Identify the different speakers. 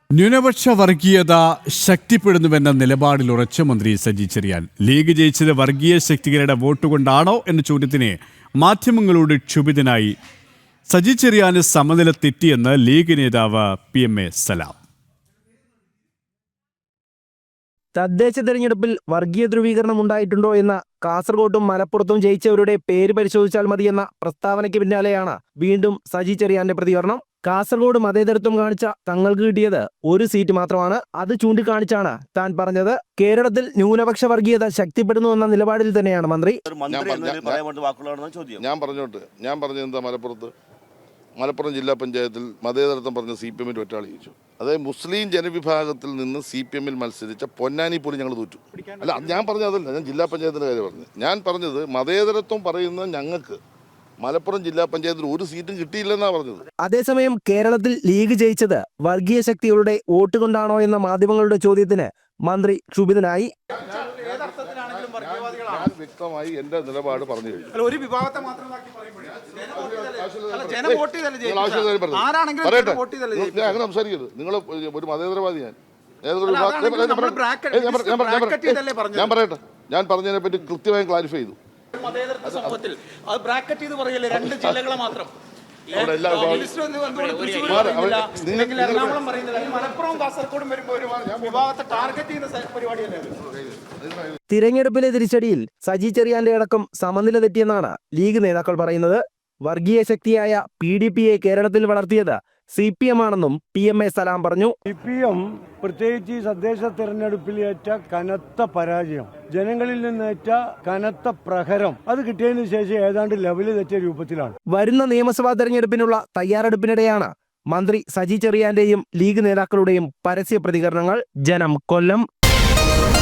Speaker 1: ന്യൂനപക്ഷ വർഗീയത ശക്തിപ്പെടുന്നുവെന്ന നിലപാടിൽ ഉറച്ച മന്ത്രി സജി ചെറിയാൻ. ലീഗ് ജയിച്ചത് വർഗീയ ശക്തികളുടെ വോട്ട് കൊണ്ടാണോ എന്ന ചോദ്യത്തിന് മാധ്യമങ്ങളോട് ക്ഷുഭിതനായി സജി ചെറിയാന് സമനില തെറ്റിയെന്ന് ലീഗ് നേതാവ് PMA സലാം.
Speaker 2: തദ്ദേശ തെരഞ്ഞെടുപ്പിൽ വർഗീയ ധ്രുവീകരണം ഉണ്ടായിട്ടുണ്ടോ എന്ന കാസർഗോഡും മലപ്പുറത്തും ജയിച്ചവരുടെ പേര് പരിശോധിച്ചാൽ മതിയെന്ന പ്രസ്താവനയ്ക്ക് പിന്നാലെയാണ് വീണ്ടും സജി ചെറിയാന്റെ പ്രതികരണം. കാസർഗോഡ് മതേതരത്വം കാണിച്ച തങ്ങൾക്ക് കിട്ടിയത് ഒരു സീറ്റ് മാത്രമാണ്. അത് ചൂണ്ടിക്കാണിച്ചാണ് താൻ പറഞ്ഞത്. കേരളത്തിൽ ന്യൂനപക്ഷ വർഗീയത ശക്തിപ്പെടുന്നുവെന്ന നിലപാടിൽ തന്നെയാണ് മന്ത്രി.
Speaker 3: ഞാൻ പറഞ്ഞത് എന്താ, മലപ്പുറം ജില്ലാ പഞ്ചായത്തിൽ മതേതരത്വം പറഞ്ഞ CPM ഒറ്റാളി ജയിച്ചു. അതായത് മുസ്ലിം ജനവിഭാഗത്തിൽ നിന്ന് CPM മത്സരിച്ച പൊന്നാനി പോലും ഞങ്ങൾ തോറ്റു. അല്ല, ഞാൻ പറഞ്ഞത് അതല്ല, ഞാൻ ജില്ലാ പഞ്ചായത്തിൻ്റെ കാര്യം പറഞ്ഞു. ഞാൻ പറഞ്ഞത് മതേതരത്വം പറയുന്ന ഞങ്ങൾക്ക് മലപ്പുറം ജില്ലാ പഞ്ചായത്തിൽ ഒരു സീറ്റും കിട്ടിയില്ലെന്നാണ് പറഞ്ഞത്.
Speaker 2: അതേസമയം കേരളത്തിൽ ലീഗ് ജയിച്ചത് വർഗീയ ശക്തികളുടെ വോട്ട് കൊണ്ടാണോ എന്ന മാധ്യമങ്ങളുടെ ചോദ്യത്തിന് മന്ത്രി ക്ഷുഭിതനായി.
Speaker 3: ഞാൻ വ്യക്തമായി എന്റെ നിലപാട് പറഞ്ഞു കഴിഞ്ഞു. അങ്ങനെ സംസാരിക്കരുത്. നിങ്ങൾ ഒരു മതേതരവാദി. ഞാൻ പറയട്ടെ, ഞാൻ പറഞ്ഞതിനെ പറ്റി കൃത്യമായി ക്ലാരിഫൈ ചെയ്തു.
Speaker 2: തിരഞ്ഞെടുപ്പിലെ തിരിച്ചടിയിൽ സജി ചെറിയാന്റെ അടക്കം സമനില തെറ്റിയെന്നാണ് ലീഗ് നേതാക്കൾ പറയുന്നത്. വർഗീയ ശക്തിയായ PDPയെ കേരളത്തിൽ വളർത്തിയത് CPM ആണെന്നും PMA സലാം പറഞ്ഞു.
Speaker 4: CPM പ്രത്യേകിച്ച് ഈ തദ്ദേശ തെരഞ്ഞെടുപ്പിൽ ഏറ്റ കനത്ത പരാജയം, ജനങ്ങളിൽ നിന്നേറ്റ കനത്ത പ്രഹരം, അത് കിട്ടിയതിനു ശേഷം ഏതാണ്ട് ലെവല് തെറ്റിയ രൂപത്തിലാണ്.
Speaker 2: വരുന്ന നിയമസഭാ തെരഞ്ഞെടുപ്പിനുള്ള തയ്യാറെടുപ്പിനിടെയാണ് മന്ത്രി സജി ചെറിയാന്റെയും ലീഗ് നേതാക്കളുടെയും പരസ്യ പ്രതികരണങ്ങൾ. ജനം, കൊല്ലം.